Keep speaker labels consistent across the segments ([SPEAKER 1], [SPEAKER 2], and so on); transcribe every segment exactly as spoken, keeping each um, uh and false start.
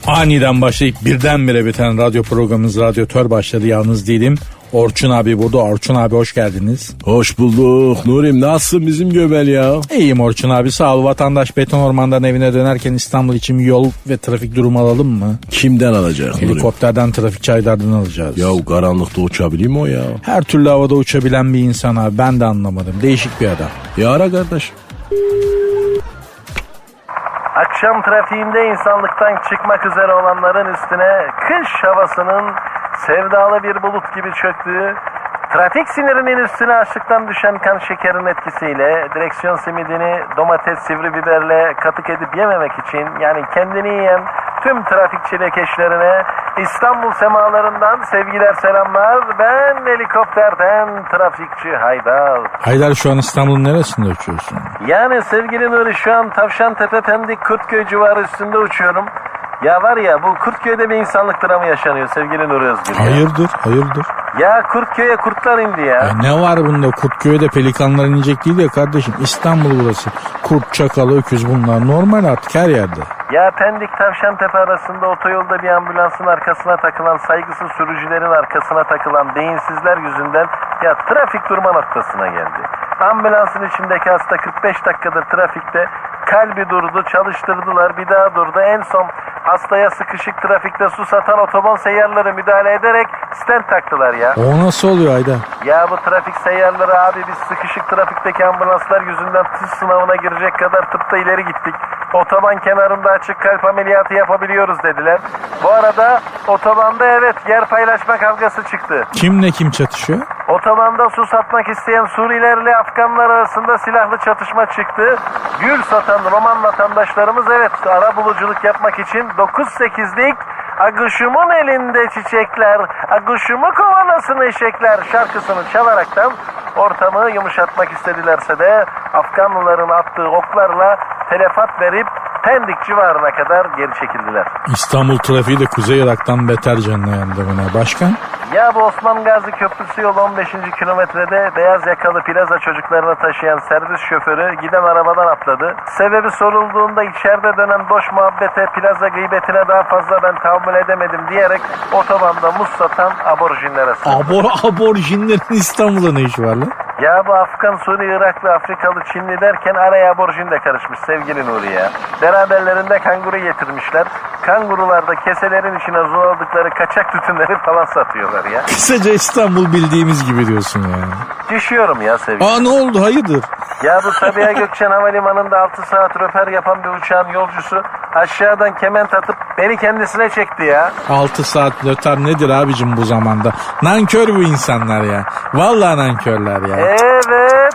[SPEAKER 1] Aniden başlayıp birdenbire biten radyo programımız Radyotör başladı. Yalnız değilim. Orçun abi burada. Orçun abi hoş geldiniz.
[SPEAKER 2] Hoş bulduk Nurim, nasılsın bizim göbel ya?
[SPEAKER 1] İyiyim Orçun abi, sağ ol. Vatandaş beton ormandan evine dönerken İstanbul için yol ve trafik durumu alalım mı?
[SPEAKER 2] Kimden alacak Nurim?
[SPEAKER 1] Helikopterden, trafik Aydar'dan alacağız.
[SPEAKER 2] Ya karanlıkta uçabilir mi o ya?
[SPEAKER 1] Her türlü havada uçabilen bir insan abi, ben de anlamadım. Değişik bir adam.
[SPEAKER 2] Ya ara kardeş.
[SPEAKER 3] Akşam trafiğinde insanlıktan çıkmak üzere olanların üstüne kış havasının sevdalı bir bulut gibi çöktüğü, trafik sinirinin üstüne açlıktan düşen kan şekerin etkisiyle direksiyon simidini domates sivri biberle katık edip yememek için, yani kendini yiyen tüm trafik çilekeşlerine İstanbul semalarından sevgiler, selamlar. Ben helikopterden trafikçi Haydar.
[SPEAKER 1] Haydar, şu an İstanbul'un neresinde uçuyorsun?
[SPEAKER 3] Yani sevgili Nuri, şu an Tavşantepe, Pendik, Kurtköy civarı üstünde uçuyorum. Ya var ya, bu Kurtköy'de bir insanlık dramı yaşanıyor sevgili Nuri Özgür.
[SPEAKER 1] Hayırdır, hayırdır?
[SPEAKER 3] Ya Kurtköy'e kurtlar indi ya.
[SPEAKER 1] Ya ne var bunda? Kurtköy'de pelikanlar inecek değil ya kardeşim. İstanbul burası. Kurt, çakal, öküz bunlar normal artık her yerde.
[SPEAKER 3] Ya Pendik Tavşantepe arasında otoyolda bir ambulansın arkasına takılan, saygısız sürücülerin arkasına takılan beyinsizler yüzünden ya trafik durma noktasına geldi. Ambulansın içindeki hasta kırk beş dakikadır trafikte, kalbi durdu, çalıştırdılar, bir daha durdu. En son hastaya sıkışık trafikte su satan otoban seyyarları müdahale ederek stent taktılar ya.
[SPEAKER 1] O nasıl oluyor Haydar?
[SPEAKER 3] Ya bu trafik seyyarları abi, biz sıkışık trafikteki ambulanslar yüzünden tıs sınavına girecek kadar tıpta ileri gittik. Otoban kenarında açık kalp ameliyatı yapabiliyoruz dediler. Bu arada otobanda evet yer paylaşma kavgası çıktı.
[SPEAKER 1] Kimle kim çatışıyor?
[SPEAKER 3] Otobanda su satmak isteyen Suriyelilerle Afganlar arasında silahlı çatışma çıktı. Gül satan Roman vatandaşlarımız evet arabuluculuk yapmak için dokuz sekizlik "Aguşumun elinde çiçekler, aguşumu kovalasın eşekler" şarkısını çalaraktan ortamı yumuşatmak istedilerse de Afganlıların attığı oklarla telefat verip Pendik civarına kadar geri çekildiler.
[SPEAKER 1] İstanbul trafiği de Kuzey Irak'tan beter canına yandı buna. Başkan?
[SPEAKER 3] Ya bu Osman Gazi Köprüsü yolu on beşinci kilometrede beyaz yakalı plaza çocuklarını taşıyan servis şoförü giden arabadan atladı. Sebebi sorulduğunda içeride dönen boş muhabbete, plaza gıybetine daha fazla ben tahammül edemedim diyerek otobanda muz satan aborjinlere sığındı.
[SPEAKER 1] Abor, aborjinlerin İstanbul'da ne işi var lan?
[SPEAKER 3] Ya bu Afgan, Suri, Iraklı, Afrikalı, Çinli derken araya aborjin de karışmış sevgili Nuri ya. Beraberlerinde kanguru getirmişler. Kangurular da keselerin içine zuladıkları kaçak tütünleri falan satıyorlar ya.
[SPEAKER 1] Kısaca İstanbul bildiğimiz gibi diyorsun yani.
[SPEAKER 3] Düşüyorum ya sevgili.
[SPEAKER 1] Aa, ne oldu, hayırdır?
[SPEAKER 3] Ya bu Sabiha Gökçen Havalimanı'nda altı saat röper yapan bir uçağın yolcusu aşağıdan kement atıp beni kendisine çekti ya.
[SPEAKER 1] altı saat lötar nedir abicim bu zamanda? Nankör bu insanlar ya. Vallahi nankörler ya.
[SPEAKER 3] Evet.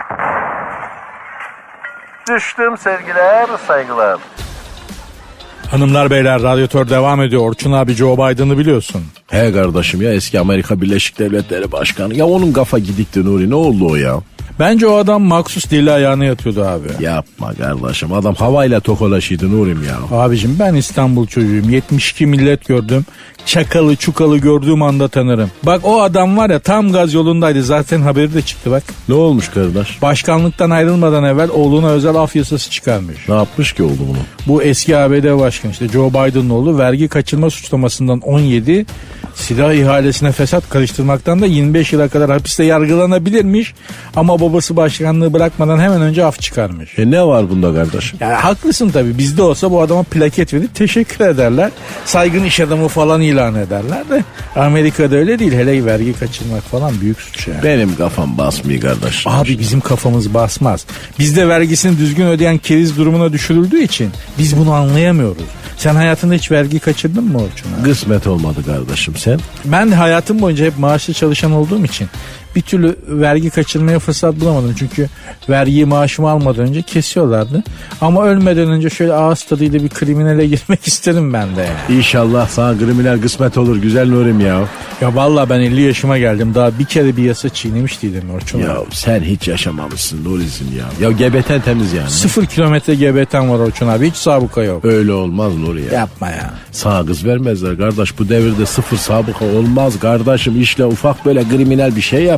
[SPEAKER 3] Düştüm sevgiler, saygılar.
[SPEAKER 1] Hanımlar beyler, Radyotör devam ediyor. Orçun abi Joe Biden'ı biliyorsun.
[SPEAKER 2] He kardeşim ya, eski Amerika Birleşik Devletleri Başkanı. Ya onun kafa gidikti Nuri, ne oldu o ya?
[SPEAKER 1] Bence o adam maksus deli ayağına yatıyordu abi.
[SPEAKER 2] Yapma kardeşim, adam havayla tokalaşıydı Nurim ya.
[SPEAKER 1] Abicim ben İstanbul çocuğuyum. yetmiş iki millet gördüm. Çakalı çukalı gördüğüm anda tanırım. Bak o adam var ya, tam gaz yolundaydı. Zaten haberi de çıktı bak.
[SPEAKER 2] Ne olmuş kardeş?
[SPEAKER 1] Başkanlıktan ayrılmadan evvel oğluna özel af yasası çıkarmış.
[SPEAKER 2] Ne yapmış ki oldu bunu?
[SPEAKER 1] Bu eski A B D başkanı işte Joe Biden'ın oğlu vergi kaçırma suçlamasından on yedi, silah ihalesine fesat karıştırmaktan da yirmi beş yıla kadar hapiste yargılanabilirmiş. Ama babası başkanlığı bırakmadan hemen önce af çıkarmış.
[SPEAKER 2] E ne var bunda kardeşim?
[SPEAKER 1] Yani haklısın tabii, bizde olsa bu adama plaket verip teşekkür ederler. Saygın iş adamı falan ilan ederler de Amerika'da öyle değil. Hele vergi kaçırmak falan büyük suç yani.
[SPEAKER 2] Benim kafam basmıyor kardeş.
[SPEAKER 1] Abi bizim kafamız basmaz. Bizde vergisini düzgün ödeyen keriz durumuna düşürüldüğü için biz bunu anlayamıyoruz. Sen hayatında hiç vergi kaçırdın mı Orçun?
[SPEAKER 2] Kısmet olmadı kardeşim, sen?
[SPEAKER 1] Ben de hayatım boyunca hep maaşlı çalışan olduğum için bir türlü vergi kaçırmaya fırsat bulamadım. Çünkü vergiyi maaşımı almadan önce kesiyorlardı. Ama ölmeden önce şöyle ağız tadıyla bir kriminale girmek isterim ben de yani.
[SPEAKER 2] İnşallah sana kriminal kısmet olur güzel Nurim ya.
[SPEAKER 1] Ya vallahi ben elli yaşıma geldim. Daha bir kere bir yasa çiğnemiş değilim Orçun.
[SPEAKER 2] Ya sen hiç yaşamamışsın Nuriz'im ya. Ya gebeten temiz yani.
[SPEAKER 1] Sıfır kilometre G B T'm var Orçun abi. Hiç sabıka yok.
[SPEAKER 2] Öyle olmaz Nuri ya.
[SPEAKER 1] Yapma ya.
[SPEAKER 2] Sağ kız vermezler kardeş. Bu devirde sıfır sabıka olmaz kardeşim. İşle ufak böyle kriminal bir şey yap.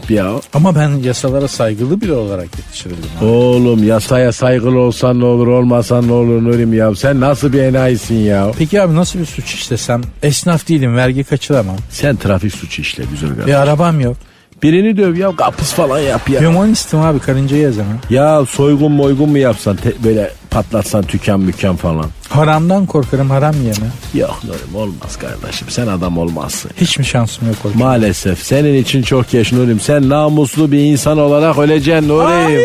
[SPEAKER 2] yap ya.
[SPEAKER 1] Ama ben yasalara saygılı biri olarak yetiştirildim. abi.
[SPEAKER 2] Oğlum yasaya saygılı olsan ne olur olmasan ne olur Nurim ya. Sen nasıl bir enayisin ya.
[SPEAKER 1] Peki abi nasıl bir suç işlesem? Esnaf değilim, vergi kaçıramam.
[SPEAKER 2] Sen trafik suçu işle güzel kardeşim.
[SPEAKER 1] Bir arabam yok.
[SPEAKER 2] Birini döv ya, kapıs falan yap ya.
[SPEAKER 1] Hümanistim abi, karıncayı yazamam.
[SPEAKER 2] Ya soygun moygun mu yapsan te- böyle patlatsan tüken müken falan.
[SPEAKER 1] Haramdan korkarım, haram yeme.
[SPEAKER 2] Yok Nurim olmaz kardeşim, sen adam olmazsın.
[SPEAKER 1] Hiç mi şansım yok hocam?
[SPEAKER 2] Maalesef senin için çok geç Nurim. Sen namuslu bir insan olarak öleceksin Nurim.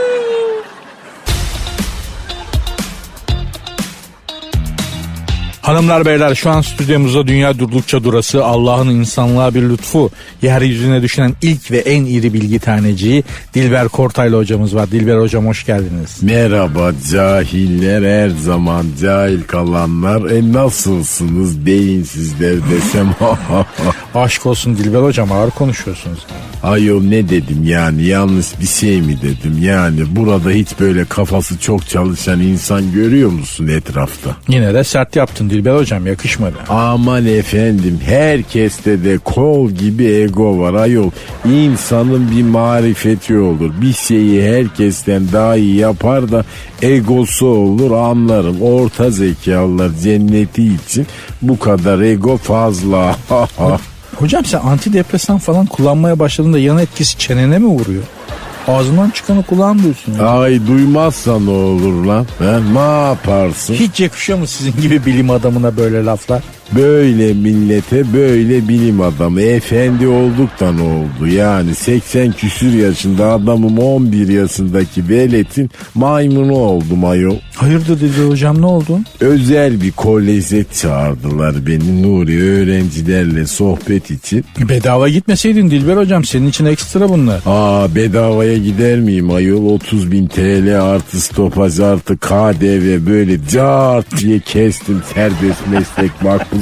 [SPEAKER 1] Hanımlar beyler, şu an stüdyomuzda dünya durdukça durası, Allah'ın insanlığa bir lütfu, yeryüzüne düşen ilk ve en iri bilgi taneciği Dilber Kortaylı hocamız var. Dilber hocam hoş geldiniz.
[SPEAKER 2] Merhaba cahiller, her zaman cahil kalanlar. E nasılsınız beyinsizler desem.
[SPEAKER 1] Aşk olsun Dilber hocam, ağır konuşuyorsunuz.
[SPEAKER 2] Ayol ne dedim yani, yanlış bir şey mi dedim yani. Burada hiç böyle kafası çok çalışan insan görüyor musun etrafta?
[SPEAKER 1] Yine de sert yaptın Dilber hocam, yakışmadı.
[SPEAKER 2] Aman efendim, herkeste de kol gibi ego var ayol. İnsanın bir marifeti olur. Bir şeyi herkesten daha iyi yapar da egosu olur, anlarım. Orta zekalılar cenneti için bu kadar ego fazla.
[SPEAKER 1] Hocam sen antidepresan falan kullanmaya başladığında yan etkisi çenene mi vuruyor? Ağzından çıkanı kulağın duysun ya.
[SPEAKER 2] Ay duymazsa ne olur lan? Ha, ne yaparsın?
[SPEAKER 1] Hiç yakışıyor mu sizin gibi bilim adamına böyle laflar?
[SPEAKER 2] Böyle millete böyle bilim adamı efendi olduk da ne oldu? Yani seksen küsür yaşında adamım, on bir yaşındaki veletin maymunu oldum ayol.
[SPEAKER 1] Hayırdır Dilber hocam, ne oldu?
[SPEAKER 2] Özel bir koleje çağırdılar beni Nuri, öğrencilerle sohbet için.
[SPEAKER 1] Bedava gitmeseydin Dilber hocam, senin için ekstra bunlar.
[SPEAKER 2] Aa bedavaya gider miyim ayol? otuz bin T L artı stopaj artı K D V böyle cart diye kestim, serbest meslek makbuzum.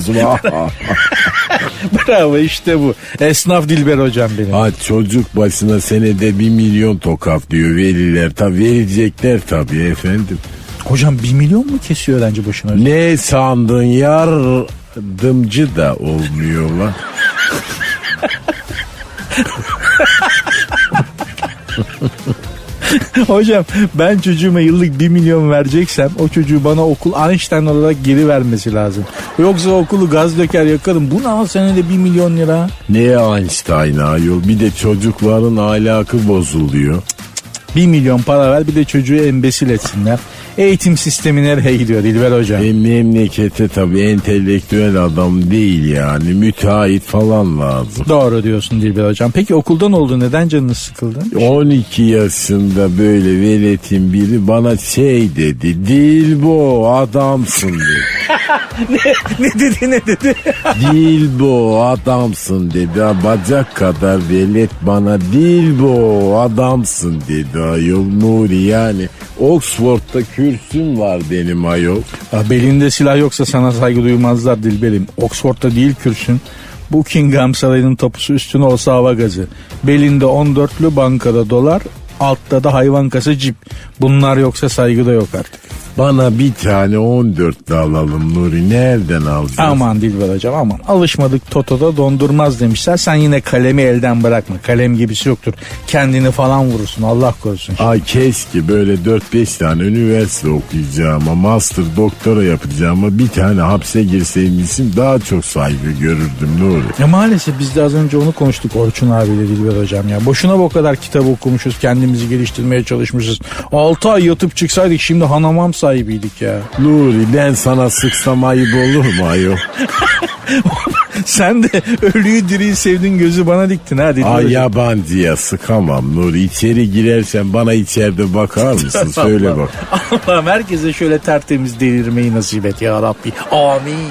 [SPEAKER 1] Bravo, işte bu. Esnaf Dilber hocam benim.
[SPEAKER 2] Ha, çocuk başına senede bir milyon tokaf diyor veliler. Tabi verecekler tabii efendim.
[SPEAKER 1] Hocam bir milyon mu kesiyor öğrenci başına?
[SPEAKER 2] Ne sandın, yardımcı da olmuyor lan.
[SPEAKER 1] Hocam ben çocuğuma yıllık bir milyon vereceksem o çocuğu bana okul Einstein olarak geri vermesi lazım. Yoksa okulu gaz döker yakarım. Bu ne al senede bir milyon lira?
[SPEAKER 2] Ne Einstein ayol, bir de çocukların ahlakı bozuluyor.
[SPEAKER 1] Bir milyon para ver, bir de çocuğu embesil etsinler. Eğitim sistemi nereye gidiyor Dilber hocam?
[SPEAKER 2] E, memlekete tabii entelektüel adam değil yani, müteahhit falan lazım.
[SPEAKER 1] Doğru diyorsun Dilber hocam. Peki okuldan oldu, neden canınız sıkıldı?
[SPEAKER 2] on iki yaşında böyle veletin biri bana şey dedi. Dilbo adamsın dedi.
[SPEAKER 1] ne dedi ne dedi?
[SPEAKER 2] Dilbo adamsın dedi. Ha, bacak kadar velet bana Dilbo adamsın dedi ayol Nuri, yani Oxford'da kürsüm var benim ayol.
[SPEAKER 1] Ya belinde silah yoksa sana saygı duymazlar Dilberim. Oxford'da değil kürsün. Buckingham Sarayı'nın tapusu, üstüne olsa hava gazı. Belinde on dörtlü, bankada dolar, altta da hayvan kası cip. Bunlar yoksa saygı da yok artık.
[SPEAKER 2] Bana bir tane on dörtlü alalım Nuri, nereden alacağız?
[SPEAKER 1] Aman Dilber hocam aman. Alışmadık Toto'da dondurmaz demişler. Sen yine kalemi elden bırakma. Kalem gibisi yoktur. Kendini falan vurursun, Allah korusun.
[SPEAKER 2] Ay keşke böyle dört beş tane üniversite okuyacağıma, master doktora yapacağıma bir tane hapse girseymişim, daha çok saygı görürdüm Nuri.
[SPEAKER 1] Ya maalesef biz de az önce onu konuştuk Orçun abiyle Dilber hocam ya. Boşuna bu kadar kitap okumuşuz, kendimizi geliştirmeye çalışmışız. altı ay yatıp çıksaydık şimdi hanamam sahibiydik ya.
[SPEAKER 2] Nuri, ben sana sıksam ayıp olur mu ayol?
[SPEAKER 1] Sen de ölüyü diriyi sevdin, gözü bana diktin ha Dilber
[SPEAKER 2] Ay
[SPEAKER 1] hocam.
[SPEAKER 2] yabancıya sıkamam Nuri. İçeri girersen bana içeride bakar mısın? Söyle bak.
[SPEAKER 1] Allah'ım herkese şöyle tertemiz delirmeyi nasip et ya Rabbi. Amin.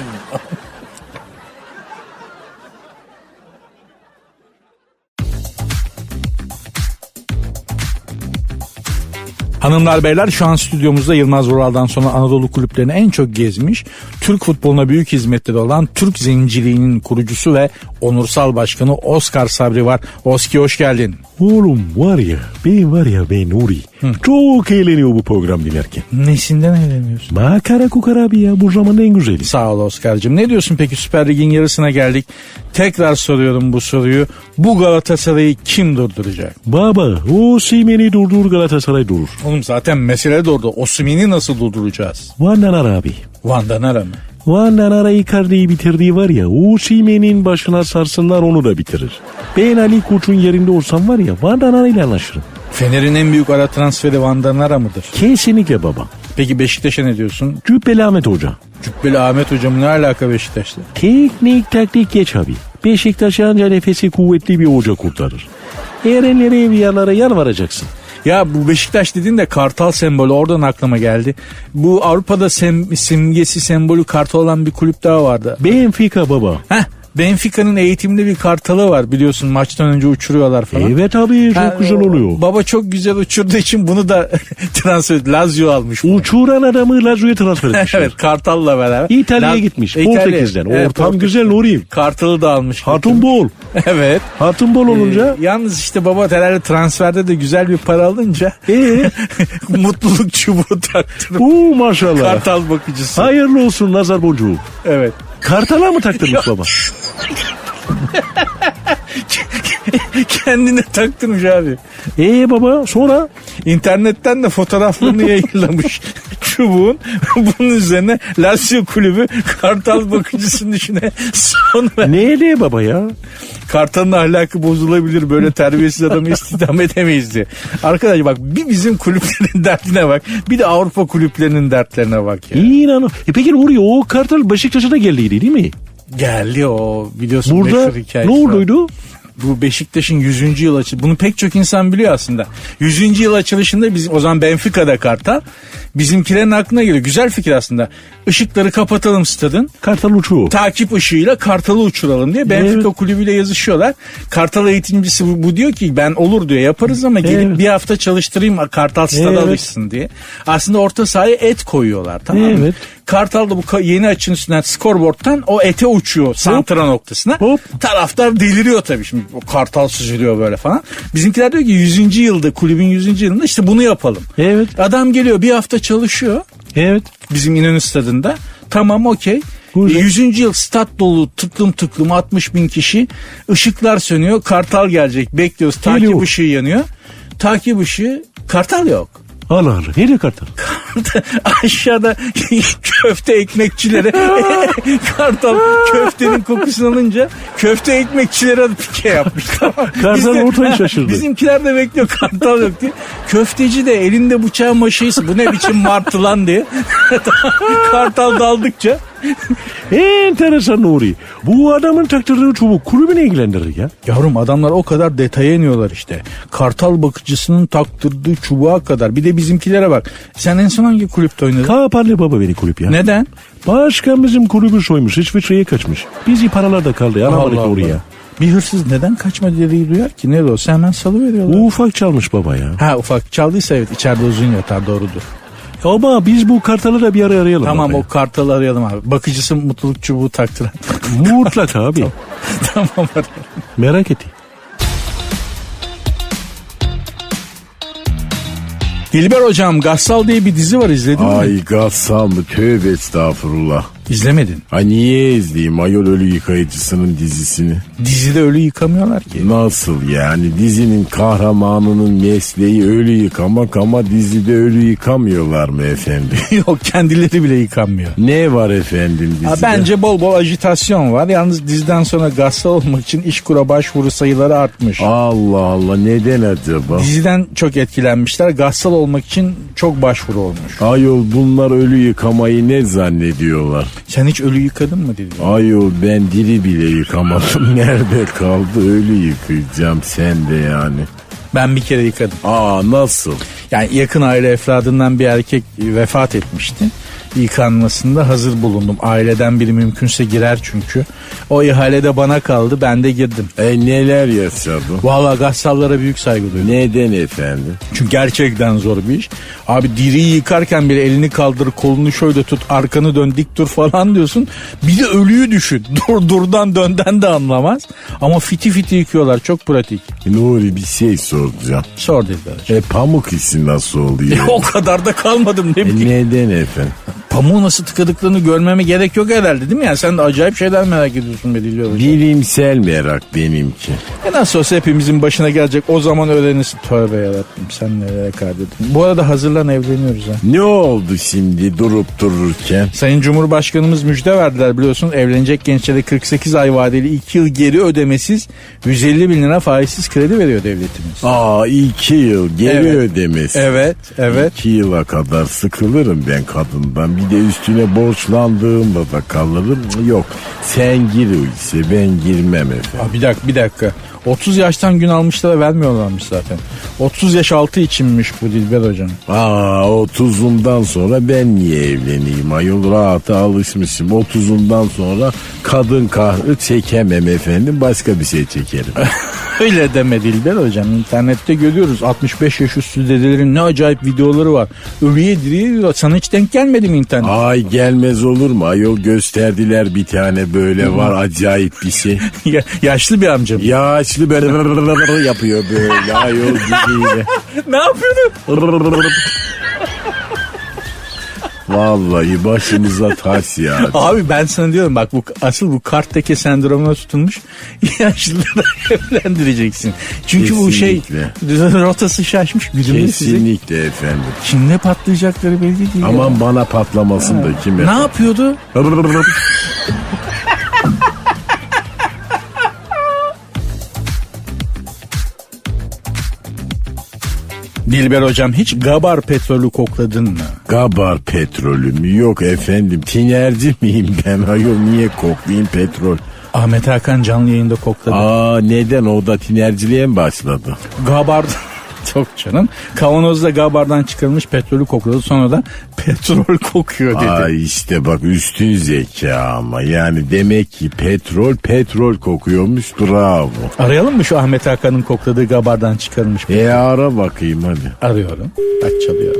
[SPEAKER 1] Hanımlar beyler, şu an stüdyomuzda Yılmaz Vural'dan sonra Anadolu kulüplerini en çok gezmiş, Türk futboluna büyük hizmetleri olan Türk Zenciliğinin kurucusu ve onursal başkanı Oscar Sabri var. Oski, hoş geldin.
[SPEAKER 4] Oğlum var ya, ben var ya ben Nuri. Hı. Çok eğleniyor bu program dinlerken.
[SPEAKER 1] Nesinden eğleniyorsun?
[SPEAKER 4] Makara kukara abi ya, bu zamanın en güzeli.
[SPEAKER 1] Sağ ol Oscar'cığım. Ne diyorsun peki, Süper Lig'in yarısına geldik. Tekrar soruyorum bu soruyu. Bu Galatasaray'ı kim durduracak?
[SPEAKER 4] Baba, Osimhen'i durdur, Galatasaray durur.
[SPEAKER 1] Oğlum zaten mesele de orada. Osimhen'i nasıl durduracağız?
[SPEAKER 4] Van Danara abi.
[SPEAKER 1] Van Danara mı?
[SPEAKER 4] Van Danara Icardi'yi bitirdiği var ya, Osimhen'in başına sarsınlar, onu da bitirir. Ben Ali Koç'un yerinde olsam var ya, Van Danara ile anlaşırım.
[SPEAKER 1] Fener'in en büyük ara transferi Van Danara mıdır?
[SPEAKER 4] Kesinlikle baba.
[SPEAKER 1] Peki Beşiktaş'a ne diyorsun?
[SPEAKER 4] Cübbeli Ahmet Hoca.
[SPEAKER 1] Cübbeli Ahmet Hocam ne alaka Beşiktaş'ta?
[SPEAKER 4] Teknik taktik geç abi. Beşiktaş anca nefesi kuvvetli bir hoca kurtarır. Erenlere, evliyalara yalvaracaksın.
[SPEAKER 1] Ya bu Beşiktaş dediğin de kartal sembolü, oradan aklıma geldi. Bu Avrupa'da sem, simgesi sembolü kartal olan bir kulüp daha vardı.
[SPEAKER 4] Benfica baba.
[SPEAKER 1] Heh, Benfica'nın eğitimli bir kartalı var, biliyorsun, maçtan önce uçuruyorlar falan.
[SPEAKER 4] Evet abi, çok
[SPEAKER 1] ha,
[SPEAKER 4] güzel oluyor.
[SPEAKER 1] Baba çok güzel uçurduğu için bunu da transfer et. Lazio almış.
[SPEAKER 4] Uçuran adamı Lazio'ya transfer etmişler.
[SPEAKER 1] Evet, Kartal'la beraber.
[SPEAKER 4] İtalya'ya gitmiş.
[SPEAKER 1] İtalya.
[SPEAKER 4] Portekiz'den.
[SPEAKER 1] Evet,
[SPEAKER 4] Ortam
[SPEAKER 1] Portekiz.
[SPEAKER 4] güzel Nuri'yim.
[SPEAKER 1] Kartal'ı da almış.
[SPEAKER 4] Hatun bol.
[SPEAKER 1] Evet.
[SPEAKER 4] Hatun bol olunca.
[SPEAKER 1] Ee, yalnız işte baba herhalde transferde de güzel bir para alınca
[SPEAKER 4] Ee?
[SPEAKER 1] mutluluk çubuğu taktırıp
[SPEAKER 4] Uuu maşallah.
[SPEAKER 1] kartal bakıcısı.
[SPEAKER 4] Hayırlı olsun nazar boncuğu.
[SPEAKER 1] Evet.
[SPEAKER 4] Kartala mı taktırmış baba?
[SPEAKER 1] Kendine taktırmış abi.
[SPEAKER 4] Ee baba sonra?
[SPEAKER 1] İnternetten de fotoğraflarını yayınlamış çubuğun. Bunun üzerine Lazio kulübü kartal bakıcısının işine son ver.
[SPEAKER 4] Neyle baba ya?
[SPEAKER 1] Kartalın ahlakı bozulabilir, böyle terbiyesiz adamı istihdam edemeyiz diye. Arkadaş bak, bir bizim kulüplerin derdine bak, bir de Avrupa kulüplerinin dertlerine bak ya.
[SPEAKER 4] İnan. E peki Nuri, o kartal Beşiktaş'a da geldiydi değil mi?
[SPEAKER 1] Geldi o, biliyorsun,
[SPEAKER 4] burada
[SPEAKER 1] meşhur hikayesi.
[SPEAKER 4] Ne olduydu?
[SPEAKER 1] Bu Beşiktaş'ın yüzüncü yıl açılışı. Bunu pek çok insan biliyor aslında. yüzüncü yıl açılışında bizim o zaman Benfica'da kartal. Bizimkilerin aklına geliyor. Güzel fikir aslında. Işıkları kapatalım stadın.
[SPEAKER 4] Kartal uçuyor. Takip
[SPEAKER 1] ışığıyla kartalı uçuralım diye Benfica
[SPEAKER 4] evet.
[SPEAKER 1] kulübüyle yazışıyorlar. Kartal eğitimcisi bu, bu diyor ki ben olur diyor, yaparız ama gelip evet. bir hafta çalıştırayım kartal stada evet. alışsın diye. Aslında orta sahaya et koyuyorlar, tamam mı? Evet. Kartal da bu yeni açının üstünden skorboardtan o ete uçuyor santra Hop. noktasına. Hop. Taraftar deliriyor tabii, şimdi o kartal süzülüyor böyle falan. Bizimkiler diyor ki yüzüncü yılda, kulübün yüzüncü yılında işte bunu yapalım. Evet. Adam geliyor, bir hafta çalışıyor. Evet. Bizim İnönü stadında. Tamam, okey. yüzüncü yıl stat dolu, tıklım tıklım altmış bin kişi. Işıklar sönüyor. Kartal gelecek. Bekliyoruz. Takip Geliyor. ışığı yanıyor. Takip ışığı. Kartal yok.
[SPEAKER 4] Allah Allah. Nerede kartal?
[SPEAKER 1] Aşağıda köfte ekmekçilere kartal köftenin kokusunu alınca köfte ekmekçilere pike yapmış.
[SPEAKER 4] Kartal ortaya şaşırdı.
[SPEAKER 1] Bizimkiler de bekliyor, kartal yok diye. Köfteci de elinde bıçağın maşayısı, bu ne biçim martı lan diye. Kartal daldıkça.
[SPEAKER 4] Enteresan Nuri. Bu adamın taktırdığı çubuk kulübü ne ilgilendirir ya?
[SPEAKER 1] Yavrum, adamlar o kadar detaya iniyorlar işte. Kartal bakıcısının taktırdığı çubuğa kadar. Bir de bizimkilere bak. Sen en son hangi kulüpte oynadın?
[SPEAKER 4] Kaparlı baba beni kulüp ya.
[SPEAKER 1] Neden?
[SPEAKER 4] Başkan bizim kulübü soymuş. İsviçre'ye kaçmış. Bizi paralar da kaldı. Alamadık oraya.
[SPEAKER 1] Bir hırsız neden kaçma dediği duyar ki? Ne olsa hemen salıveriyorlar.
[SPEAKER 4] Ufak çalmış baba ya.
[SPEAKER 1] Ha, ufak çaldıysa evet, içeride uzun yatar, doğrudur.
[SPEAKER 4] Ama biz bu kartalı da bir ara arayalım.
[SPEAKER 1] Tamam, o kartalı arayalım abi. Bakıcısı mutluluk çubuğu taktıran.
[SPEAKER 4] Mutlaka abi.
[SPEAKER 1] Tamam arayalım.
[SPEAKER 4] Merak ettim.
[SPEAKER 1] Dilber hocam, Gassal diye bir dizi var, izledin
[SPEAKER 2] Ay,
[SPEAKER 1] mi?
[SPEAKER 2] Ay Gassal mı? Tövbe estağfurullah.
[SPEAKER 1] İzlemedin.
[SPEAKER 2] Ha niye izleyeyim ayol ölü yıkayıcısının dizisini?
[SPEAKER 1] Dizide ölü yıkamıyorlar ki.
[SPEAKER 2] Nasıl yani? Dizinin kahramanının mesleği ölü yıkamak ama dizide ölü yıkamıyorlar mı efendim?
[SPEAKER 1] Yok, kendileri bile yıkanmıyor.
[SPEAKER 2] Ne var efendim dizide?
[SPEAKER 1] Ha, bence bol bol ajitasyon var. Yalnız diziden sonra Gassal olmak için İşkur'a başvuru sayıları artmış.
[SPEAKER 2] Allah Allah, neden acaba?
[SPEAKER 1] Diziden çok etkilenmişler. Gassal olmak için çok başvuru olmuş.
[SPEAKER 2] Ayol, bunlar ölü yıkamayı ne zannediyorlar?
[SPEAKER 1] Sen hiç ölü yıkadın mı dedi?
[SPEAKER 2] Ayol, ben diri bile yıkamadım. Nerede kaldı ölü yıkayacağım, sen de yani.
[SPEAKER 1] Ben bir kere yıkadım.
[SPEAKER 2] Aa, nasıl?
[SPEAKER 1] Yani yakın aile efradından bir erkek vefat etmişti. yıkanmasında hazır bulundum. Aileden biri mümkünse girer çünkü. O ihale de bana kaldı, ben de girdim.
[SPEAKER 2] E neler yaşadın?
[SPEAKER 1] Valla gassallara büyük saygı duyuyorum.
[SPEAKER 2] Neden efendim?
[SPEAKER 1] Çünkü gerçekten zor bir iş. Abi diriyi yıkarken bile elini kaldır, kolunu şöyle tut, arkanı dön, dik dur falan diyorsun. Bir de ölüyü düşün. Dur durdan dönden de anlamaz. Ama fiti fiti yıkıyorlar, çok pratik.
[SPEAKER 2] Nuri bir şey soracağım.
[SPEAKER 1] Sor dediler.
[SPEAKER 2] E pamuk işi nasıl oluyor?
[SPEAKER 1] O kadar da kalmadım ne
[SPEAKER 2] E,
[SPEAKER 1] bileyim.
[SPEAKER 2] neden efendim?
[SPEAKER 1] Pamuğu nasıl tıkadıklarını görmeme gerek yok herhalde değil mi? Yani sen de acayip şeyler merak ediyorsun be Dilber Hocam.
[SPEAKER 2] Bilimsel merak benimki.
[SPEAKER 1] E nasıl olsa hepimizin başına gelecek, o zaman öğrenirsin. Tövbe yarabbim, sen nereye kaydettin. Bu arada hazırlan, evleniyoruz ha.
[SPEAKER 2] Ne oldu şimdi durup dururken?
[SPEAKER 1] Sayın Cumhurbaşkanımız müjde verdiler biliyorsun. Evlenecek gençlere kırk sekiz ay vadeli iki yıl geri ödemesiz yüz elli bin lira faizsiz kredi veriyor devletimiz.
[SPEAKER 2] Aa iki yıl geri
[SPEAKER 1] Evet.
[SPEAKER 2] ödemesi.
[SPEAKER 1] Evet, evet.
[SPEAKER 2] İki yıla kadar sıkılırım ben kadından. Bir de üstüne borçlandığımda da kalırım. Yok sen gir o işe, ben girmem efendim.
[SPEAKER 1] Aa, bir dakika bir dakika. otuz yaştan gün almışlara vermiyorlarmış zaten. otuz yaş altı içinmiş bu Dilber Hocam.
[SPEAKER 2] Aa otuzumdan sonra ben niye evleneyim ayol, rahata alışmışım. Otuzumdan sonra kadın kahrı çekemem efendim, başka bir şey çekerim.
[SPEAKER 1] Öyle deme Dilber Hocam. İnternette görüyoruz altmış beş yaş üstü dedelerin ne acayip videoları var. Ölüye diriye diyor. Sana hiç denk gelmedi mi internet?
[SPEAKER 2] Ay gelmez olur mu ayol, gösterdiler bir tane böyle var acayip bir şey.
[SPEAKER 1] Ya, yaşlı bir amcam.
[SPEAKER 2] Yaşlı böyle yapıyor böyle ayol gibiyle.
[SPEAKER 1] Ne yapıyordun?
[SPEAKER 2] Vallahi başımıza taş ya.
[SPEAKER 1] Abi ben sana diyorum bak, bu asıl bu kartteki sendromuna tutulmuş yaşlıları evlendireceksin. Çünkü bu şey
[SPEAKER 2] Kesinlikle.
[SPEAKER 1] rotası şaşmış, güdümlü sizi.
[SPEAKER 2] Kesinlikle efendim.
[SPEAKER 1] Kimde patlayacakları belli değil. ya.
[SPEAKER 2] Aman bana patlamasın da kime?
[SPEAKER 1] Ne yapıyordu? Dilber Hocam, hiç Gabar petrolü kokladın mı?
[SPEAKER 2] Gabar petrolü mü? Yok efendim. Tinerci miyim ben ayol, niye koklayayım petrol?
[SPEAKER 1] Ahmet Hakan canlı yayında kokladı.
[SPEAKER 2] Aa neden, o da tinerciliğe mi başladı?
[SPEAKER 1] Gabar çok canım. Kavanozda Gabar'dan çıkarılmış petrolü kokladı. Sonra da petrol kokuyor dedi.
[SPEAKER 2] Ay işte bak, üstün zeka ama. Yani demek ki petrol petrol kokuyormuş, bravo.
[SPEAKER 1] Arayalım mı şu Ahmet Hakan'ın kokladığı Gabar'dan çıkarılmış petrol?
[SPEAKER 2] E ara bakayım hadi.
[SPEAKER 1] Arıyorum. Bak çalıyor.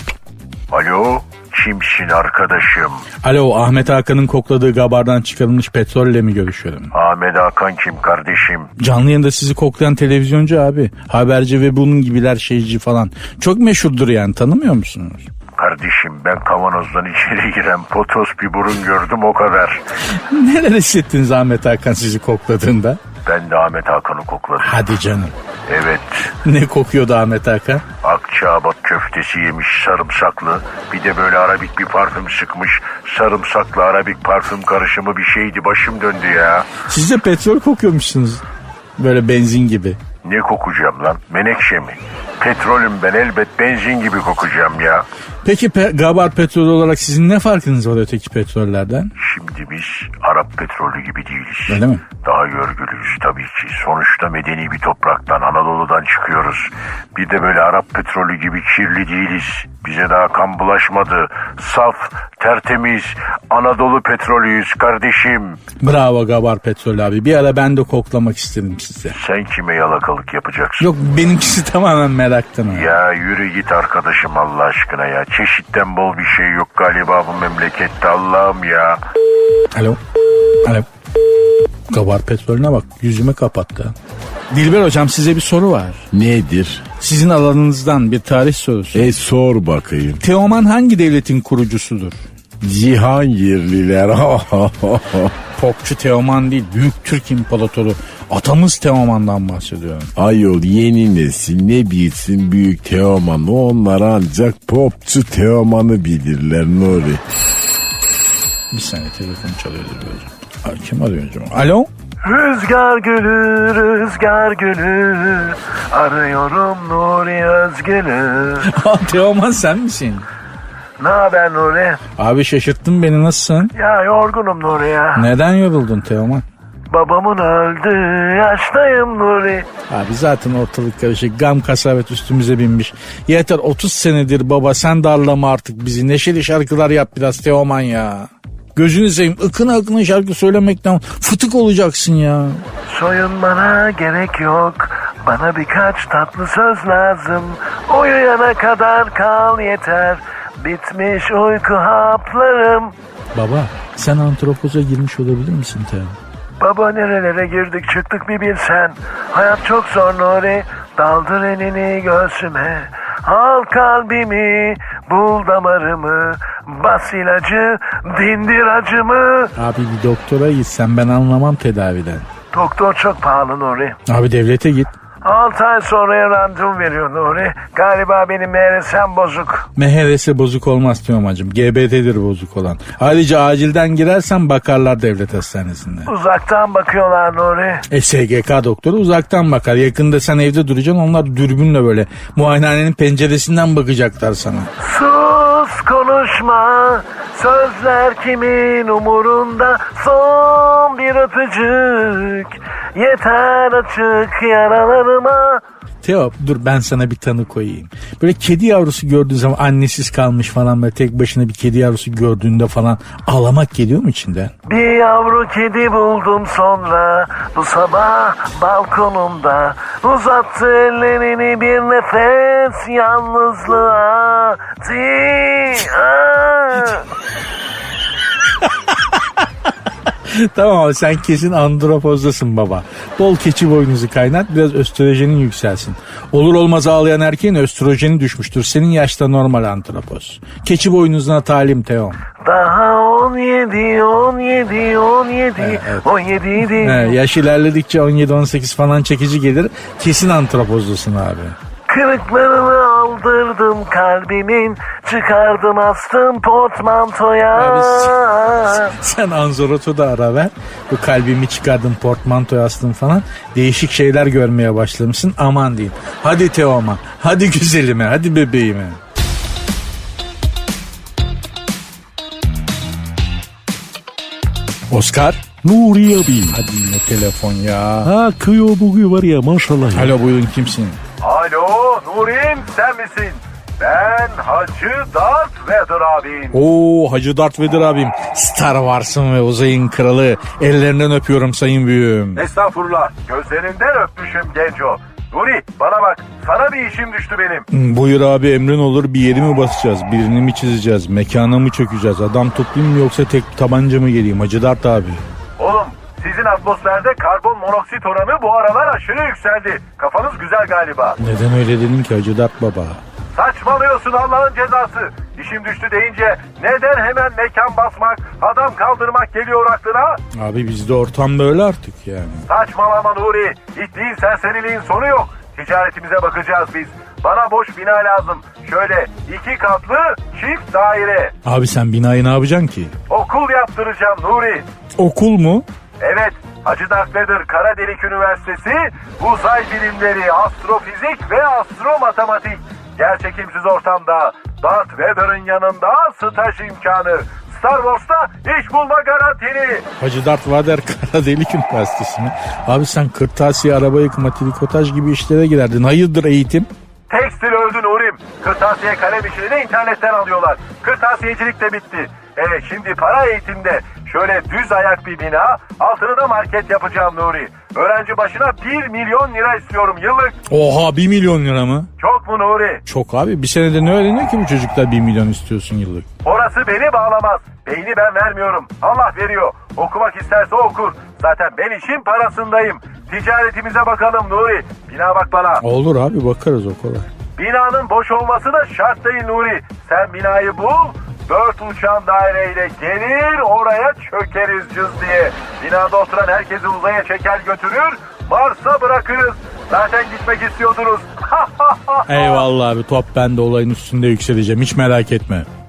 [SPEAKER 3] Alo, kimsin arkadaşım?
[SPEAKER 1] Alo, Ahmet Hakan'ın kokladığı Gabar'dan çıkarılmış petrolle mi görüşüyorum?
[SPEAKER 3] Ahmet Hakan kim kardeşim?
[SPEAKER 1] Canlı yayında sizi koklayan televizyoncu abi. Haberci ve bunun gibiler, şeyci falan. Çok meşhurdur yani, tanımıyor musunuz?
[SPEAKER 3] Kardeşim ben kavanozdan içeri giren potos bir burun gördüm, o kadar.
[SPEAKER 1] Neler hissettiniz Ahmet Hakan sizi kokladığında?
[SPEAKER 3] Ben de Ahmet Hakan'ı kokladım.
[SPEAKER 1] Hadi canım.
[SPEAKER 3] Evet.
[SPEAKER 1] Ne kokuyordu Ahmet Hakan?
[SPEAKER 3] Akçaabat köftesi yemiş sarımsaklı. Bir de böyle arabik bir parfüm sıkmış. Sarımsaklı arabik parfüm karışımı bir şeydi. Başım döndü ya.
[SPEAKER 1] Siz de petrol kokuyormuşsunuz. Böyle benzin gibi.
[SPEAKER 3] Ne kokacağım lan? Menekşe mi? Petrolüm ben, elbet benzin gibi kokacağım ya.
[SPEAKER 1] Peki pe- Gabar petrolü olarak sizin ne farkınız var öteki petrollerden?
[SPEAKER 3] Şimdi biz Arap petrolü gibi değiliz.
[SPEAKER 1] Öyle mi?
[SPEAKER 3] Daha görgülüyüz tabii ki. Sonuçta medeni bir topraktan, Anadolu'dan çıkıyoruz. Bir de böyle Arap petrolü gibi kirli değiliz. Bize daha kan bulaşmadı. Saf, tertemiz Anadolu petrolüyüz kardeşim.
[SPEAKER 1] Bravo Gabar petrolü abi. Bir ara ben de koklamak istedim size.
[SPEAKER 3] Sen kime yalakalık yapacaksın?
[SPEAKER 1] Yok, benimkisi tamamen meraktan. Abi.
[SPEAKER 3] Ya yürü git arkadaşım Allah aşkına ya. Çeşitten bol bir şey yok galiba bu memlekette, Allah'ım ya.
[SPEAKER 1] Alo. Alo. Gabar petrolüne bak, yüzüme kapattı. Dilber Hocam, size bir soru var.
[SPEAKER 2] Nedir?
[SPEAKER 1] Sizin alanınızdan bir tarih sorusu.
[SPEAKER 2] E sor bakayım.
[SPEAKER 1] Teoman hangi devletin kurucusudur?
[SPEAKER 2] Cihangirliler.
[SPEAKER 1] Popçu Teoman değil, Büyük Türk İmparatoru atamız Teoman'dan bahsediyorum.
[SPEAKER 2] Ayol yeni nesil ne bilsin büyük Teoman'ı, onlar ancak popçu Teoman'ı bilirler Nuri.
[SPEAKER 1] Bir saniye, telefon çalıyor Dilber Hocam. Ay, kim arıyor acaba? Alo?
[SPEAKER 3] Rüzgar gülü, rüzgar gülü, arıyorum Nuri Özgül'ü.
[SPEAKER 1] Aa, Teoman sen misin?
[SPEAKER 3] Ne haber Nuri?
[SPEAKER 1] Abi şaşırttın beni, nasılsın?
[SPEAKER 3] Ya yorgunum Nuri ya.
[SPEAKER 1] Neden yoruldun Teoman?
[SPEAKER 3] Babamın öldüğü yaştayım Nuri.
[SPEAKER 1] Abi zaten ortalık karışık. Gam kasavet üstümüze binmiş. Yeter otuz senedir baba sen darlama artık bizi. Neşeli şarkılar yap biraz Teoman ya. Gözünü seveyim ıkına ıkına şarkı söylemekten fıtık olacaksın ya.
[SPEAKER 3] Soyunmana gerek yok. Bana birkaç tatlı söz lazım. Uyuyana kadar kal yeter. Bitmiş uyku haplarım.
[SPEAKER 1] Baba sen antropoza girmiş olabilir misin Teo?
[SPEAKER 3] Baba nerelere girdik çıktık bir bilsen. Hayat çok zor Nuri. Daldır elini göğsüme. Al kalbimi, bul damarımı. Bas ilacı, dindir acımı.
[SPEAKER 1] Abi bir doktora gitsen ben anlamam tedaviden.
[SPEAKER 3] Doktor çok pahalı Nuri.
[SPEAKER 1] Abi devlete git.
[SPEAKER 3] altı ay sonraya randevu veriyor Nuri. Galiba benim M R S'm bozuk.
[SPEAKER 1] M H R S bozuk olmaz Teoman'cığım. G B T'dir bozuk olan. Ayrıca acilden girersen bakarlar devlet hastanesinde.
[SPEAKER 3] Uzaktan bakıyorlar Nuri.
[SPEAKER 1] E S G K doktoru uzaktan bakar. Yakında sen evde duracaksın onlar dürbünle böyle muayenehanenin penceresinden bakacaklar sana.
[SPEAKER 3] Sus konuşma. Sözler kimin umurunda? Son bir öpücük. Yeter açık yaralarıma.
[SPEAKER 1] Teo dur ben sana bir tanı koyayım. Böyle kedi yavrusu gördüğün zaman annesiz kalmış falan böyle tek başına bir kedi yavrusu gördüğünde falan ağlamak geliyor mu içinden?
[SPEAKER 3] Bir yavru kedi buldum sonra bu sabah balkonumda. Uzattı ellerini bir nefes yalnızlığa. Ti- Aa.
[SPEAKER 1] Tamam ama sen kesin andropozdasın baba. Bol keçi boynuzu kaynat biraz östrojenin yükselsin. Olur olmaz ağlayan erkeğin östrojeni düşmüştür. Senin yaşta normal andropoz. Keçi boynuzuna talim Teo.
[SPEAKER 3] Daha on yedi, on yedi, on yedi,
[SPEAKER 1] Evet, evet.
[SPEAKER 3] on yedi idi.
[SPEAKER 1] He, yaş ilerledikçe on yedi on sekiz falan çekici gelir. Kesin antropozlusun abi.
[SPEAKER 3] Kırıklarını aldırdım kalbimin, çıkardım astım portmantoya.
[SPEAKER 1] Abi sen, sen Anzorot'u da ara ver. Bu kalbimi çıkardım portmantoya astım falan. Değişik şeyler görmeye başlamışsın aman diyeyim. Hadi Teoman, hadi güzelime, hadi bebeğime. Oscar.
[SPEAKER 4] Nuri abi.
[SPEAKER 1] Hadi yine telefon ya.
[SPEAKER 4] Ha kıyıyor bugün var ya maşallah ya.
[SPEAKER 1] Alo buyurun kimsin?
[SPEAKER 3] Alo Nurim sen misin? Ben Hacı Darth Vader abim.
[SPEAKER 1] Oo Hacı Darth Vader abim. Star Wars'ın ve uzayın kralı. Ellerinden öpüyorum sayın büyüğüm.
[SPEAKER 3] Estağfurullah gözlerinden öpmüşüm genco. Nuri bana bak sana bir işim düştü benim.
[SPEAKER 1] Hmm, Buyur abi emrin olur bir yeri mi basacağız? Birini mi çizeceğiz? Mekana mı çökeceğiz? Adam toplayayım mı yoksa tek tabanca mı geleyim? Hacı Dert abi.
[SPEAKER 3] Oğlum sizin atmosferde karbon monoksit oranı bu aralar aşırı yükseldi. Kafanız güzel galiba.
[SPEAKER 1] Neden öyle dedin ki Hacı Dert baba?
[SPEAKER 3] Saçmalıyorsun Allah'ın cezası. İşim düştü deyince neden hemen mekan basmak, adam kaldırmak geliyor aklına?
[SPEAKER 1] Abi bizde ortam böyle artık yani.
[SPEAKER 3] Saçmalama Nuri. İttiğin serseriliğin sonu yok. Ticaretimize bakacağız biz. Bana boş bina lazım. Şöyle iki katlı çift daire.
[SPEAKER 1] Abi sen binayı ne yapacaksın ki?
[SPEAKER 3] Okul yaptıracağım Nuri.
[SPEAKER 1] Okul mu?
[SPEAKER 3] Evet, Hacı Darth Vader Kara Delik Üniversitesi, uzay bilimleri, astrofizik ve astromatematik. Gerçekimsiz ortamda Darth Vader'ın yanında staj imkanı. Star Wars'ta iş bulma garantili.
[SPEAKER 1] Hacı Dert Vader Kara Delik Üniversitesi mi? Abi sen kırtasiye, araba yıkama, trikotaj gibi işlere girerdin. Hayırdır eğitim?
[SPEAKER 3] Tekstil öldü Nurim. Kırtasiye kalem işini de internetten alıyorlar. Kırtasiyecilik de bitti. Evet şimdi para eğitimde. Şöyle düz ayak bir bina, altını da market yapacağım Nuri. Öğrenci başına bir milyon lira istiyorum yıllık.
[SPEAKER 1] Oha bir milyon lira mı?
[SPEAKER 3] Çok mu Nuri?
[SPEAKER 1] Çok abi bir senede ne öğreniyor ki bu çocuklar bir milyon istiyorsun yıllık?
[SPEAKER 3] Orası beni bağlamaz. Beyni ben vermiyorum. Allah veriyor. Okumak isterse okur. Zaten ben işin parasındayım. Ticaretimize bakalım Nuri. Bina bak bana.
[SPEAKER 1] Olur abi bakarız o kolay.
[SPEAKER 3] Binanın boş olması da şart değil Nuri. Sen binayı bul. Dört uçan daireyle gelir oraya çökeriz cız diye. Binada oturan herkesi uzaya çeker götürür. Mars'a bırakırız. Zaten gitmek istiyordunuz.
[SPEAKER 1] Eyvallah abi top ben de olayın üstünde yükseleceğim hiç merak etme.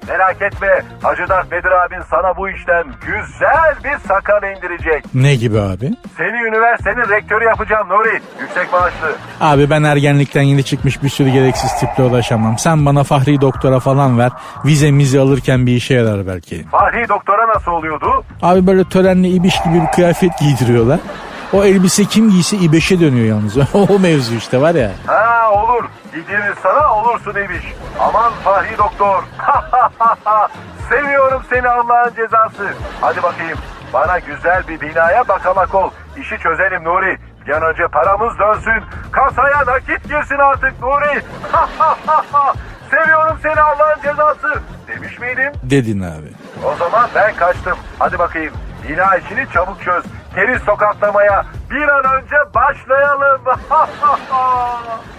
[SPEAKER 3] Merak etme, Hacı Dert Bedir abin sana bu işten güzel bir sakal indirecek.
[SPEAKER 1] Ne gibi abi?
[SPEAKER 3] Seni üniversitenin rektörü yapacağım Nuri. Yüksek maaşlı.
[SPEAKER 1] Abi ben ergenlikten yeni çıkmış bir sürü gereksiz tiple ulaşamam. Sen bana Fahri Doktor'a falan ver. Vize mizi alırken bir işe yarar belki.
[SPEAKER 3] Fahri Doktor'a nasıl oluyordu?
[SPEAKER 1] Abi böyle törenli ibiş gibi bir kıyafet giydiriyorlar. O elbise kim giyse İbeş'e dönüyor yalnız. O mevzu işte var ya.
[SPEAKER 3] Ha olur. Gideriz sana olursun imiş. Aman Fahri Doktor. Seviyorum seni Allah'ın cezası. Hadi bakayım. Bana güzel bir binaya bakamak ol. İşi çözelim Nuri. Bir an önce paramız dönsün. Kasaya nakit girsin artık Nuri. Seviyorum seni Allah'ın cezası. Demiş miydim?
[SPEAKER 1] Dedin abi.
[SPEAKER 3] O zaman ben kaçtım. Hadi bakayım. Bina işini çabuk çöz. Keriz tokatlamaya bir an önce başlayalım.